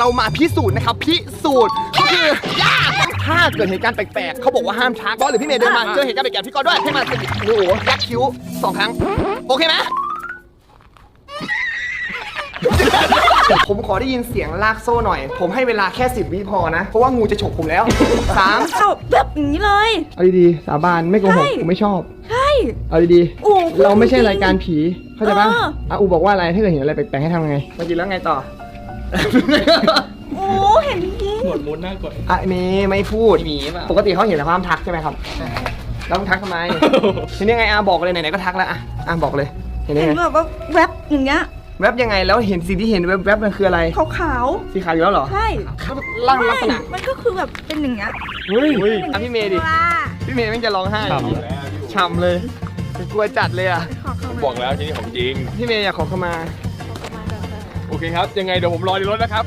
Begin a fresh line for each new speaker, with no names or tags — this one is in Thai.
เรามาพิสูจน์นะครับพิสูจน์ก็คือย่าถ้าเกิดเหตุการณ์แปลกๆเขาบอกว่าห้ามทักบอสหรือพี่เมย์เดินมาเจอเหตุการณ์แปลกๆพี่กอด้วยให้มาโอ้โหยักคิ้ว2 ครั้งโอเคไหมผมขอได้ยินเสียงลากโซ่หน่อยผมให้เวลาแค่10 วิพอนะเพราะว่างูจะฉกผมแล้ว3
เอาแบบอย่างนี้เลย
เอาดีๆสาบานไม่โกหกผมไม่ชอบ
ใช่
เอาดี
โอ้
ๆเราไม่ใช่รายการผีเข้าใจปะ
เออ
อูบอกว่าอะไรถ้าเกิดเห็นอะไรแปลกๆให้ทำไงมากินแล้วไงต่อ
โอ้เห็นจริง
หมดมุดหน้ากด
อ่ะนี่ไม่พูด
มีเปล่า
ปกติเขาเห็นแต่ความทักใช่ไหมครับแล้วต้องทักทำไม ทีนี้ไงอาบอกเลยไหนๆก็ทักแล้วอ่ะบอกเลยเห็นได้
เห็น
ไง
แบบว่าแวบอย่างเงี้ย
แวบยังไงแล้วเห็นสิ่งที่เห็นแวบๆมันคืออะไร
ขาว
สีขาวอยู่แล้วเหรอ
ๆใช่
ร่างลักษณะ
มันก็คือแบบเป็นอย่างเงี้ย
เฮ้ยอ่ะพี่เมย์ดิ
ว่า
พี่เมย์แม่งจะร้องไห้ฉ่ำเลยกลัวจัดเลยอ่ะ
ขอเข้ามา
บอกแล้วที่นี่ของจริง
พี่เมย์อยากขอเข้ามา
โอเคครับ ยังไงเดี๋ยวผมรอในรถนะครับ